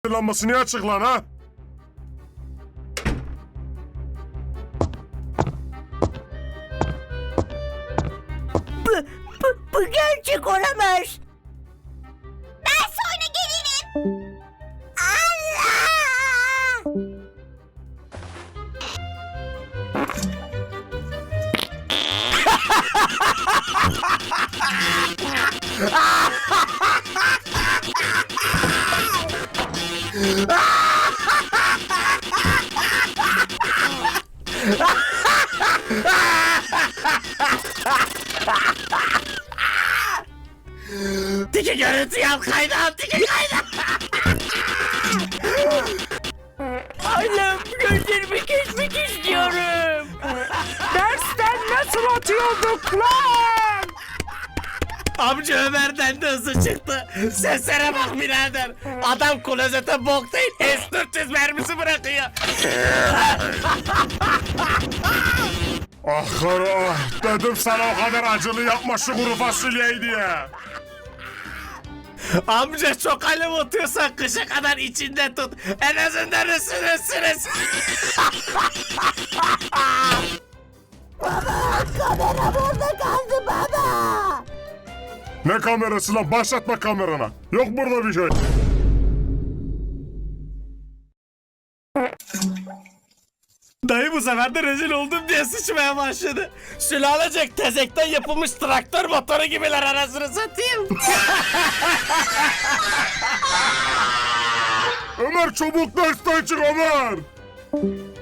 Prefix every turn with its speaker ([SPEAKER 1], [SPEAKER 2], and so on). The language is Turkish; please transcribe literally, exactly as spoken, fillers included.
[SPEAKER 1] lambası niye açık lan ha?
[SPEAKER 2] Bu, bu, bu gerçek olamaz. Ben sonra gelirim. Allah!
[SPEAKER 3] Tiki görüntü yap kaydan, tiki kaydan.
[SPEAKER 2] Allah'ım gözlerimi kesmek istiyorum.
[SPEAKER 4] Dersten nasıl atıyorduk lan?
[SPEAKER 3] Amca Ömer'den de hızlı çıktı. Seslere bak birader. Adam klozete bok değil, S dört yüz mermisi bırakıyor.
[SPEAKER 1] Ah karı ah. Dedim sana o kadar acılı yapma şu kuru fasulyeyi diye.
[SPEAKER 3] Amca çok alev atıyorsan kışa kadar içinde tut. En azından ısınırsınız.
[SPEAKER 2] Kamera burada kaldı baba.
[SPEAKER 1] Ne kamerası lan? Başlatma kamerana. Yok burada bir şey.
[SPEAKER 3] Dayı bu sefer de rezil oldum diye sıçmaya başladı. Sülalecek tezekten yapılmış traktör motoru gibiler arasını satayım.
[SPEAKER 1] Ömer çabuk dersten çık Ömer.